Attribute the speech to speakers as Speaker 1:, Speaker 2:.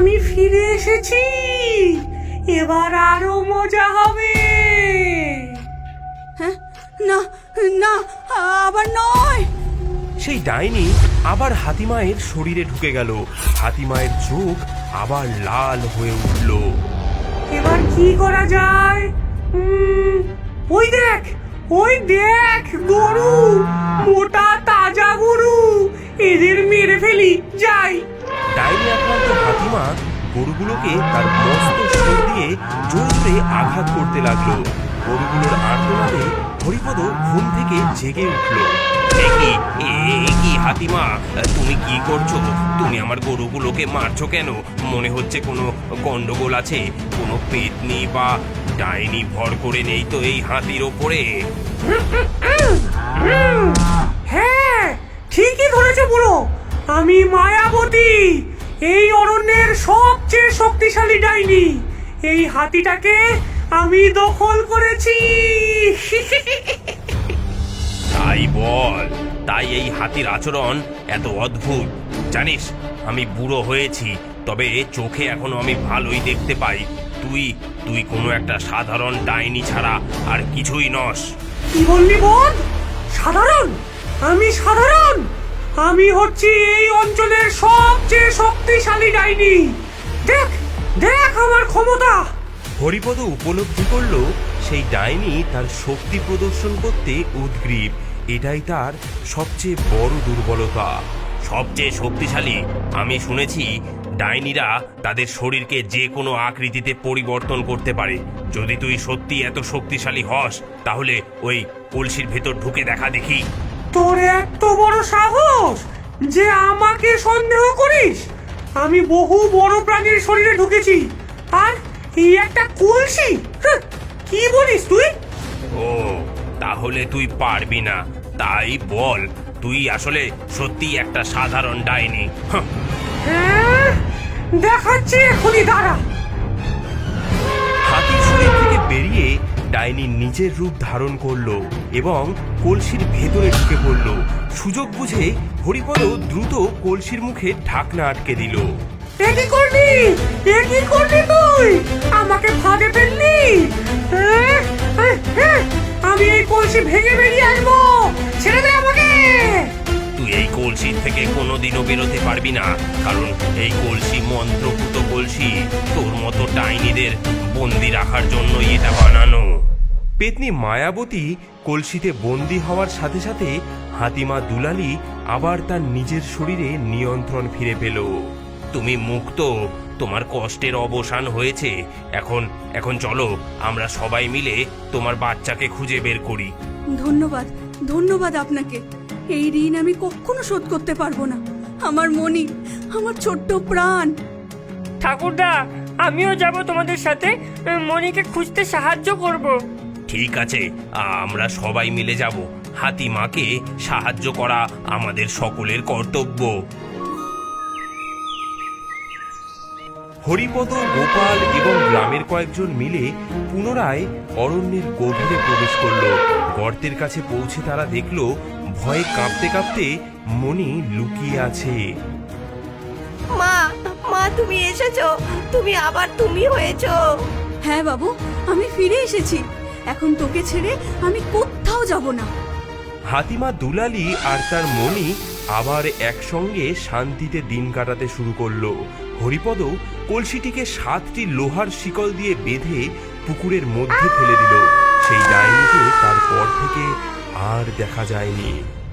Speaker 1: আমি ফিরে এসেছি, এবার আরো মজা হবে।
Speaker 2: হ্যাঁ, না না, আবার নয়।
Speaker 3: সেই ডাইনি আবার হাতিমায়ের শরীরে ঢুকে গেল। হাতিমায়ের চোখ আবার লাল হয়ে উঠল।
Speaker 1: এবার কি করা যায়? ওই দেখ, ওই দেখ, গরু, মোটা তাজা গরু, এদের মেরে ফেলি, যাই।
Speaker 3: ডাইনি আক্রান্ত হাতিমা গরুগুলোকে তার মস্ত সুর দিয়ে জোরে জোরে আঘাত করতে লাগলো। গরুগুলোর আর্তনাদে হরিপদ ঘুম থেকে জেগে উঠল। কি হাতিমা, তুমি কি করছো? তুমি আমার গরুগুলোকে মারছো কেন? মনে হচ্ছে কোনো গন্ডগোল আছে, কোনো পেতনি বা ডাইনি ভর করে নেই তো এই হাতির ওপরে?
Speaker 1: হ্যাঁ, ঠিকই ধরেছো বুড়ো, আমি মায়াবতী, এই অরণ্যের সবচেয়ে শক্তিশালী ডাইনি। এই হাতিটাকে আমি দখল করেছি।
Speaker 3: তাই বল, তাই এই হাতির আচরণ এত অদ্ভুত। জানিস, আমি বুড়ো হয়েছি, তবে চোখে এখনো আমি ভালোই দেখতে পাই। তুই কোনো একটা সাধারণ ডাইনি ছাড়া আর কিছুই নস।
Speaker 1: কি বললি বোন? সাধারণ? আমি সাধারণ? আমি হচ্ছি এই অঞ্চলের সবচেয়ে শক্তিশালী ডাইনি। দেখ দেখ আমার ক্ষমতা।
Speaker 3: হরিপদ উপলব্ধি করল সেই ডাইনি তার শক্তি প্রদর্শন করতে উদগ্রীব। এটাই তার সবচেয়ে বড় দুর্বলতা। সবচেয়ে শক্তিশালী? আমি শুনেছি ডাইনিরা তাদের শরীরকে যে কোনো আকৃতিতে পরিবর্তন করতে পারে। যদি তুই সত্যি এত শক্তিশালী হস, তাহলে ওই কলসির ভেতর ঢুকে দেখা দেখি।
Speaker 1: তোর এত বড় সাহস যে আমাকে সন্দেহ করিস? আমি বহু বড় প্রাণীর শরীরে ঢুকেছি, আর এই একটা কলসি? কি বলিস তুই?
Speaker 3: ও, তাহলে তুই পারবি না। তাই বল, তুই আসলে সত্যি একটা সাধারণ ডাইনি?
Speaker 1: হ্যাঁ, দেখাচ্ছি এখনই, দাঁড়া।
Speaker 3: হাতির শরীর থেকে বেরিয়ে ডাইনি নিজের রূপ ধারণ করলো এবং কলসির ভেতরে ঢুকে পড়ল। সুযোগ বুঝে হরিপদ দ্রুত কলসির মুখে ঢাকনা আটকে দিল।
Speaker 1: এ কি করলি? এ কি করলি তুই? আমাকে ফাঁদে ফেললি? আমি এই কলসি ভেঙে বেরিয়ে আসবো, ছেড়ে দে আমাকে।
Speaker 3: তুই এই কলসি থেকে কোনোদিনও বেরোতে পারবি না, কারণ এই কলসি মন্ত্রপুত কলসি। তোর মতো ডাইনিদের বন্দি রাখার জন্যই এটা বানানো। পেতনি মায়াবতী কলসিতে বন্দি হওয়ার সাথে সাথে হাতিমা দুলালি আবার তার নিজের শরীরে নিয়ন্ত্রণ ফিরে পেল। তুমি মুক্ত, তোমার কষ্টের অবসান হয়েছে। এখন চলো, আমরা সবাই মিলে তোমার বাচ্চাকে খুঁজে বের করি।
Speaker 2: ধন্যবাদ, ধন্যবাদ আপনাকে। এই ঋণ আমি কখনো শোধ করতে পারবো না। আমার মনি, আমার ছোট্ট প্রাণ।
Speaker 4: ঠাকুরদা, আমিও যাব তোমাদের সাথে, মনিকে খুঁজতে সাহায্য করব।
Speaker 3: ঠিক আছে, আমরা সবাই মিলে যাব। হাতিমাকে সাহায্য করা আমাদের সকলের কর্তব্য। হরিপদ, গোপাল এবং গ্রামের কয়েকজন মিলে পুনরায় অরণ্যের গভীরে প্রবেশ করলো। গর্তের কাছে পৌঁছে তারা দেখলো ভয়ে কাঁপতে কাঁপতে মনি লুকিয়ে আছে।
Speaker 5: মা, মা তুমি এসেছো, তুমি হয়েছো।
Speaker 2: হ্যাঁ বাবু, আমি ফিরে এসেছি। এখন তোকে ছেড়ে আমি কোথাও যাব না।
Speaker 3: হাতিমা দুলালি আর তার মনি আবার একসঙ্গে শান্তিতে দিন কাটাতে শুরু করলো। হরিপদ কলসিটিকে 7টি লোহার শিকল দিয়ে বেঁধে পুকুরের মধ্যে ফেলে দিল। সেই ডাইনিকে তারপর থেকে আর দেখা যায়নি।